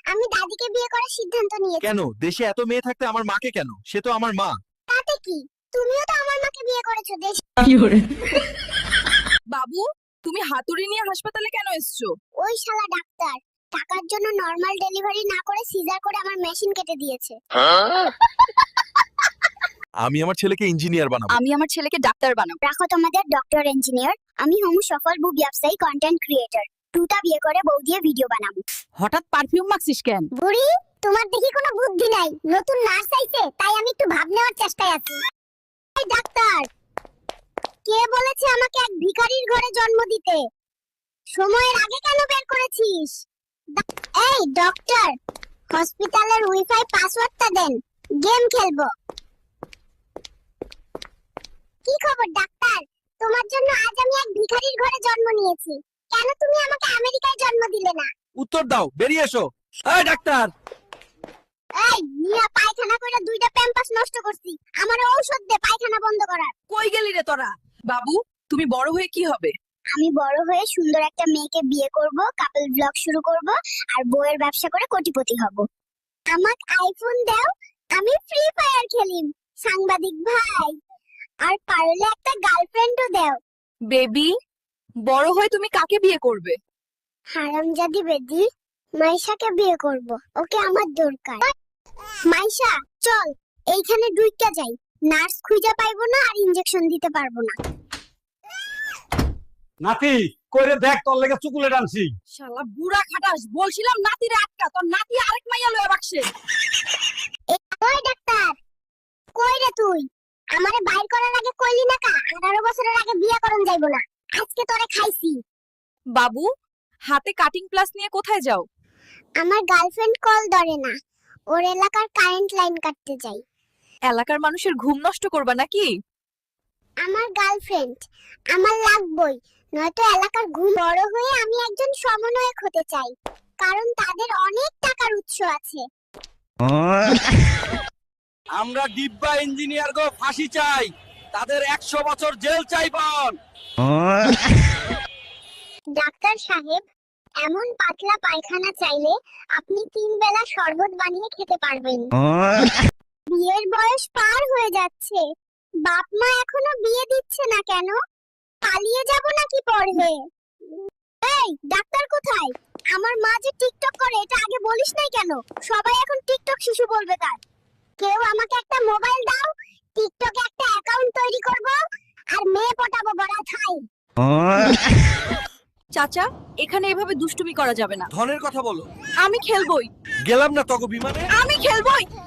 আমি দাদিকে বিয়ে করার সিদ্ধান্ত নিয়েছি। কেন? দেশে এত মেয়ে থাকতে আমার মাকে কেন? সে তো আমার মা। তাতে কি? তুমিও তো আমার মাকে বিয়ে করেছো দেশ। বাবু, তুমি হাতুড়ি নিয়ে হাসপাতালে কেন এসছো? ওই শালা ডাক্তার টাকার জন্য নরমাল ডেলিভারি না করে সিজার করে আমার মেশিন কেটে দিয়েছে। আমি আমার ছেলেকে ইঞ্জিনিয়ার বানাবো। আমি আমার ছেলেকে ডাক্তার বানাবো। রাখো তোমাদের ডক্টর ইঞ্জিনিয়ার। আমি হমু সফল ব্যবসায়ী কন্টেন্ট ক্রিয়েটর। টুটা বিয়ে করে বউ দিয়ে ভিডিও বানাবো। হঠাৎ পারফিউম মাখছিস কেন? বুড়ি, তোমার দেখি কোনো বুদ্ধি নাই। নতুন নার্স আইছে, তাই আমি একটু ভাব নেওয়ার চেষ্টায় আছি। এই ডাক্তার, কে বলেছে আমাকে এক ভিখারির ঘরে জন্ম দিতে? সময়ের আগে কেন বের করেছিস? এই ডক্টর, হসপিটালের ওয়াইফাই পাসওয়ার্ডটা দেন, গেম খেলবো। কি খবর ডাক্তার? তোমার জন্য আজ আমি এক ভিখারির ঘরে জন্ম নিয়েছি। কেন তুমি আমাকে আমেরিকায় জন্ম দিলে না? উত্তর দাও, বেরিয়ে এসো। এই ডাক্তার, এই মিয়া পায়খানা কইরা দুইটা প্যাম্পাস নষ্ট করছি। আমারে ঔষধ দে পায়খানা বন্ধ করার। কই গেলি রে তোরা? বাবু, তুমি বড় হয়ে কি হবে? আমি বড় হয়ে সুন্দর একটা মেয়েকে বিয়ে করব, কাপল ব্লগ শুরু করব আর বইয়ের ব্যবসা করে কোটিপতি হব। আমাক আইফোন দাও, আমি ফ্রি ফায়ার খেলিম। সাংবাদিক ভাই, আর পারলে একটা গার্লফ্রেন্ডও দাও। বেবি, বড় হয়ে তুমি কাকে বিয়ে করবে? হারামজাদি বেদি, মাইশাকে বিয়ে করব। ওকে আমার দরকার। মাইশা, চল এইখানে ঢুইকা যাই। নার্স খুঁজে পাইবো না আর ইনজেকশন দিতে পারবো না। নাতি কইরে দেখ তোর লেগে চুকুলে টানছি। শালা বুড়া খাটাস, বলছিলাম নাতিরে আটকা, তোর নাতি আরেক মাইয়া লয়ে বাকছে। ওই ডাক্তার, কই রে তুই? আমারে বাইর করার আগে কইলি না কা 18 বছরের আগে বিয়ে করন যাইবো না। আজকে তোরে খাইছি। বাবু, হাতে কাটিং প্লাস নিয়ে কোথায় যাও? আমার গার্লফ্রেন্ড কল ধরে না, ওর এলাকার কারেন্ট লাইন কাটতে যাই। এলাকার মানুষের ঘুম নষ্ট করবা নাকি? আমার গার্লফ্রেন্ড আমার লাগবই, নয়তো এলাকার ঘুম। বড় হয়ে আমি একজন সমন্বয়ক হতে চাই, কারণ তাদের অনেক টাকার উৎস আছে। আমরা ডিব্বা ইঞ্জিনিয়ার গো ফাঁসি চাই, তাদের 100 বছর জেল চাই বল। ডাক্তার সাহেব, এমন পাতলা পায়খানা চাইলে আপনি 3 বেলা শরবত বানিয়ে খেতে পারবেন। বিয়ের বয়স পার হয়ে যাচ্ছে, বাপ মা এখনো বিয়ে দিচ্ছে না কেন? পালিয়ে যাব নাকি পড়বে? এই ডাক্তার কোথায়? আমার মা যে টিকটক করে এটা আগে বলিস নাই কেন? সবাই এখন টিকটক শিশু বলবে তার। কেউ আমাকে একটা মোবাইল দাও, টিকটকে একটা অ্যাকাউন্ট তৈরি করব আর মেয়ে পটাবো বড়া থাই। চাচা, এখানে এভাবে দুষ্টুমি করা যাবে না। ধনের কথা বলো। আমি খেলবই, গেলাম না তগো বিমানে। আমি খেলবই।